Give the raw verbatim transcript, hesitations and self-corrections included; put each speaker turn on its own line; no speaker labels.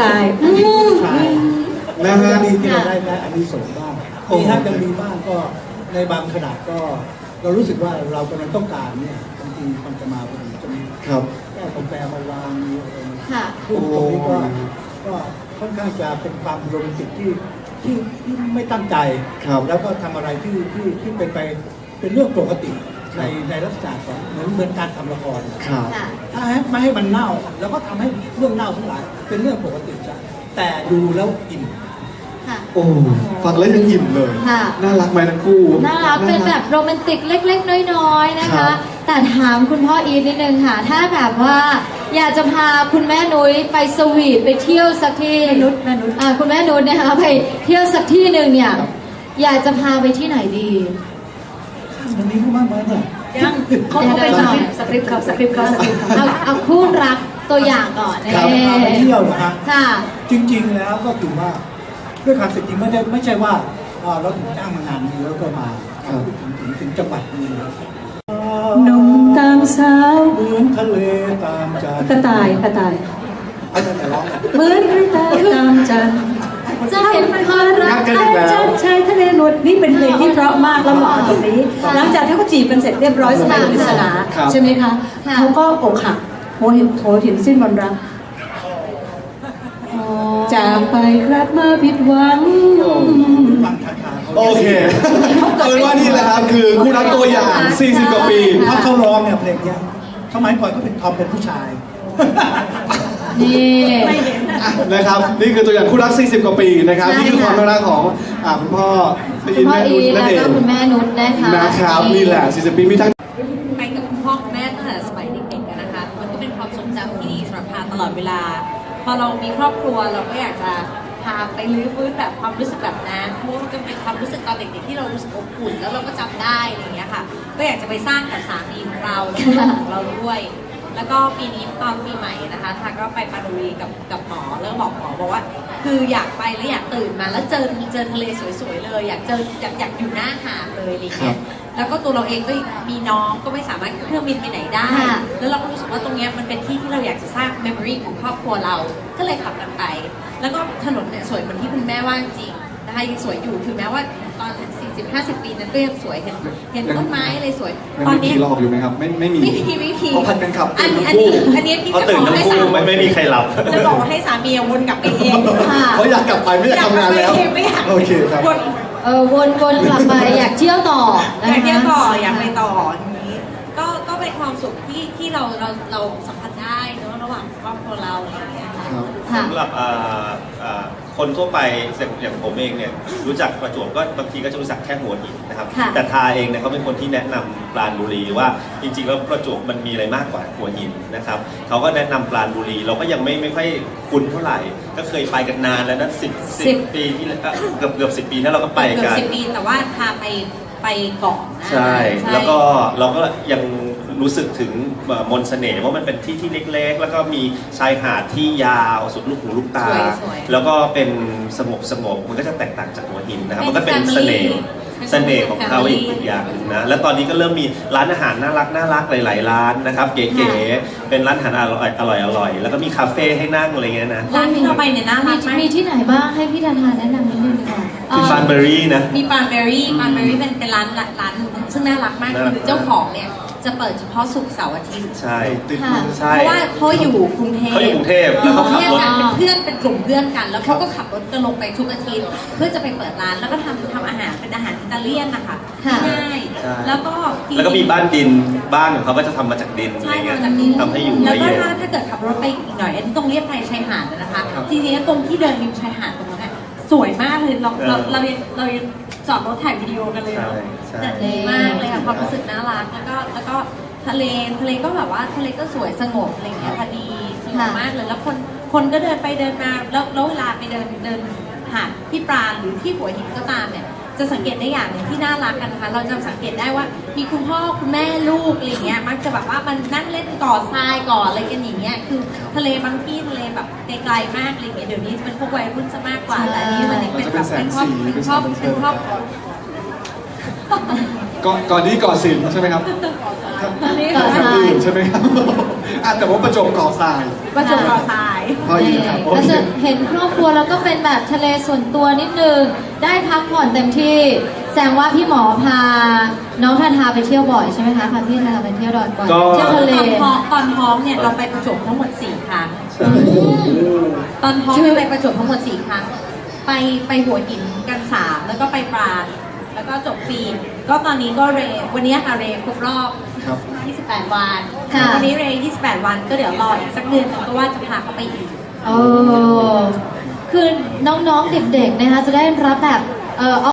ชาย
ผู้ชายนะฮะดีที่เราได้ได้อันนี้ส่งบ้างมีถ้าจะมีบ้างก็ในบางขนาดก็เรารู้สึกว่าเรากำลังต้องการเนี่ยบางทีมันจะมาพอดีจะมีครับแก้วกาแฟมาวางมีอะไรซึ่งตรงนี้ก็ก็ค่อนข้างจะเป็นความโรแมนติกที่ที่ที่ไม่ตั้งใจแล้วก็ทำอะไรที่ที่ที่เป็นไปเป็นเรื่องปกติในในลักษณะของเหมือนเหมือนการทำละครถ้าไม่ให้มันเน่าแล้วก็ทำให้เรื่องเน่าทั้งหลายเป็นเรื่องปกติจ้ะแต่ดูแล้วอิ่ม
โอ้ฟังแล้วยังอิ่มเลยน่ารักไหมทั้งคู่
น่ารักเป็นแบบโรแมนติกเล็กๆน้อยๆนะคะแต่ถามคุณพ่ออีทนิดนึงค่ะถ้าแบบว่าอยากจะพาคุณแม่นุ้ยไปสวีทไปเที่ยวสักที่นุชแม่นุชคุณแม่นุชนะคะไปเที่ยวสักที่หนึ่งเนี่ยอยากจะพาไปที่ไหนดี
วันนี้ก็มากเลยเนี่ย
ยังเขาเป็นสคริปต์เขาสคริปต์เขาสคริปต์เขาเอาคู่รักตัวอย่างก่อน
นะไปเที่ยวนะฮะ
ค่ะ
จริงๆแล้วก็ถือว่าด้วยความจริงไม่ได้ไม่ใช่ว่าเราถึงจ้างมางานนี้แล้วก็มาถึงถึงถึงจังหวัดนี้
หนุ่มตามสาว
เหมือนทะเลตามจัน
กระต่ายกระต่าย
อาจารย์แต่ร้อง
เหมือนกระต่ายตามจันจะเห็นความรักจันชายทะเลนวลนี่เป็นเพลงที่เพราะมากแล้วเหมาะกับตรงนี้หลังจากที่เขาจีบกันเสร็จเรียบร้อยสมัยปริศนาใช่ไหมคะเขาก็อกหักโหหินโหหินสิ้นวันรักจากไปครับมาผิดหวัง
โอเคเอาเป็นว่านี่แหละครับคือคู่รักตัวอย่างสี่สิบกว่าปี
ถ้าเขาร้องเนี่ยเพลงนี้สมัยก่อนเขาเป็นทอมเป็นผู้ชาย
นี่
นะครับนี่คือตัวอย่างคู่รักสี่สิบกว่าปีนะครับนี่คือความรักของคุณพ่อ
คุณพ่ออีแล้วก็คุณแม่นุชนะคะ
นะครับนี่แหละสี่สิบปีมีทั้ง
ไปกับคุณพ่อคุณแม่ตั้งแต่สมัยเด็กๆนะคะมันก็เป็นความทรงจำที่ดีสำหรับพาตลอดเวลาพอเรามีครอบครัวเราก็อยากจะพาไปลื้อฟื้นแบบความรู้สึกแบบนั้นเพราะว่ามันเป็นความรู้สึกตอนเด็กๆที่เรารู้สึกอบอุ่นแล้วเราก็จำได้อะไรอย่างเงี้ยค่ะก็อยากจะไปสร้างกับสามีของเราแล้วก็ของเราด้วยแล้วก็ปีนี้ตอนปีใหม่นะคะทาก็ไปปารีสกับกับหมอแล้วบอกหมอบอกว่าคืออยากไปแล้วอยากตื่นมาแล้วเจอเจอทะเลสวยๆเลยอยากเจออยากอยากอยู่หน้าหาดเลยอะไรเงี้ยแล้วก็ตัวเราเองก็มีน้องก็ไม่สามารถเครื่องบินไปไหนได้แล้วเราก็รู้สึกว่าตรงนี้มันเป็นที่ที่เราอยากจะสร้างเมมโมรีของครอบครัวเราก็เลยขับกันไปแล้วก็ถนนเนี่ยสวยเหมือนที่คุณแม่ว่าจริงนะคะยังสวยอยู่ถึงแม้ว่าตอนสี่สิบ ห้าสิบปีนั้นก็ยังสวยเห็นเห็นต้นไม้อะไรสวย
ตอนนี้หลอกอยู่ไหมครับไม่ไม่มี
ไม่มีไม่มี
เพราะพันกันขับ
อันนี้อันนี้อันนี้พี่จะบอกให้สามี
ไม่มีใครหลับ
จะบอกให้สามีวนกลับไปเอง
เขาอยากกลับไปไม่อยากทำงานแล้วโอเคครับ
เออวนวนกลับไปอยากเที่ยวต่อ
อยากเที่ยวต่ออยากไปต่ออย่างนี้ก็ก็เป็นความสุขที่ที่เราเราเราสัมผัสได้เนอะระหว่างครอบครัวเราอะไรอย่างเงี้ย
สำหรับคนทั่วไปอย่างผมเองเนี่ยรู้จักประจวบก็บางทีก็จะรู้จักแค่หัวหินนะครับแต่ทาเองเนี่ยเขาเป็นคนที่แนะนำปราณบุรีว่าจริงๆแล้วประจวบมันมีอะไรมากกว่าหัวหินนะครับเขาก็แนะนำปราณบุรีเราก็ยังไม่ไม่ค่อยคุ้นเท่าไหร่ก็เคยไปกันนานแล้วนะสิบสิบปีที่เกือบเกือบสิบปีนั้นเราก็ไปกัน
เกือบสิบปีแต่ว่าพาไปไปเกาะนะ
ใช่แล้วก็เราก็ยังรู้สึกถึงมนต์เสน่ห์ว่ามันเป็นที่ที่เล็กๆแล้วก็มีชายหาดที่ยาวสุดลูกหูลูกตาแล้วก็เป็นสงบสงบมันก็จะแตกต่างจากหัวหินนะครับมันก็เป็นเสน่ห์เสน่ห์ของเขาอีกอย่างนึงนะแล้วตอนนี้ก็เริ่มมีร้านอาหารน่ารักน่ารักหลายๆร้านนะครับเก๋ๆเป็นร้านอาหารอร่อยอร่อยอร่อยแล้วก็มีคาเฟ่ให้นั่งอะไรเงี้ยนะ
ร้านที่เราไปเนี่ยน่ารักมาก
มีที่ไหนบ้างให้พี่ธาทานแนะนำนิดนึงค่ะ
มีปานเบอรี่นะ
มีปานเบอรี่ปานเบอรี่เป็นเป็นร้านร้านซึ่งน่ารักมากคือเจ้าของเนี่ยจะเปิดเฉพาะศุกร์เสาร์อาทิตย์
ใช่
ติดใช่เพราะว่าเขาอยู่กรุงเทพ
เขาอยู่กรุงเทพแล้วเขาขับรถ
เป็นเพื่อนเป็นกลุ่มเพื่อนกันแล้วเขาก็ขับรถกันลงไปทุกอาทิตย์เพื่อจะไปเปิดร้านแล้วก็ทำทำอาหารเป็นอาหารอิตาเลียนนะคะง่ายแล้วก็
แล้วก็มีบ้านดินบ้านของเขาก็จะทำมาจากดินอะไรเงี้ยทำให้อยู่
แล้วก็ถ้าถ้าเกิดขับรถไปอีกหน่อยอันนี้ตรงเรียบชายหาดนะคะจริงๆตรงที่เดินริมชายหาดตรงนั้นสวยมากเลยเราเราเราเราจอดรถถ่ายวิดีโอกันเลยแต่ดีมากเลยค่ะความรู้สึกน่ารักแล้วก็แล้วก็ทะเลทะเลก็แบบว่าทะเลก็สวยสงบอะไรเงี้ยพอดีสงบมากเลยแล้วคนคนก็เดินไปเดินมาแล้วแล้วเวลาไปเดินเดินหาดที่ปราณหรือที่หัวหินก็ตามเนี่ยจะสังเกตได้อย่างหนึ่งที่น่ารักกันนะคะเราจะสังเกตได้ว่ามีคุณพ่อคุณแม่ลูกอะไรเงี้ยมักจะแบบว่ามันนั่งเล่นก่อทรายก่ออะไรกันอย่างเงี้ยคือทะเลบางที่ทะเลแบบไกลๆมากอะไรเงี้ยเดี๋ยวนี้เป็นพวกวัยรุ่นจะมากกว่าแต่นี้มันเป็นแบบเป็นครอบเป็นครอบเป็นครอบ
ก่อนก่อนนี้เกาะสินใช่ไหมครับ
เกาะทราย
อื่นใช่ไหมครับอ่ะแต่ว่าประจวบเกาะทราย
ประจวบเกาะทราย
พ่ออีครับโอ
ก็
เค
จะเห็นครอบครัวแล้วก็เป็นแบบทะเลส่วนตัวนิดนึง ได้พักผ่อนเต็มที่ แสดงว่าพี่หมอพา น้องทาทาไปเที่ยวบ่อยใช่ไหมคะพาพี่ทาทาไปเที่ยวดอนก่อน
ก็
เที่ยวทะเล
ตอนท้องตอนท้องเนี่ยเราไปประจวบทั้งหมดสี่ครั้ง ตอนท้องเนี่ยไปประจวบทั้งหมดสี่ครั้ง ไปไปหัวหินกันสามแล้วก็ไปปราณแล้วก็จบปีก็ตอนนี้ก็เรย์วันนี้ค่ะเรย์ครบรอบ
ครับ
ยี่สิบแปด วัน
ค่ะ
วันนี้เรย์ยี่สิบแปด วันก็เดี๋ยวรออีกสักเดือนหนึงก็ว่าจะพาเขาไปอีก
โอ้คือน้องๆ เด็กๆ นะคะ จะได้รับแบบ เอ่อ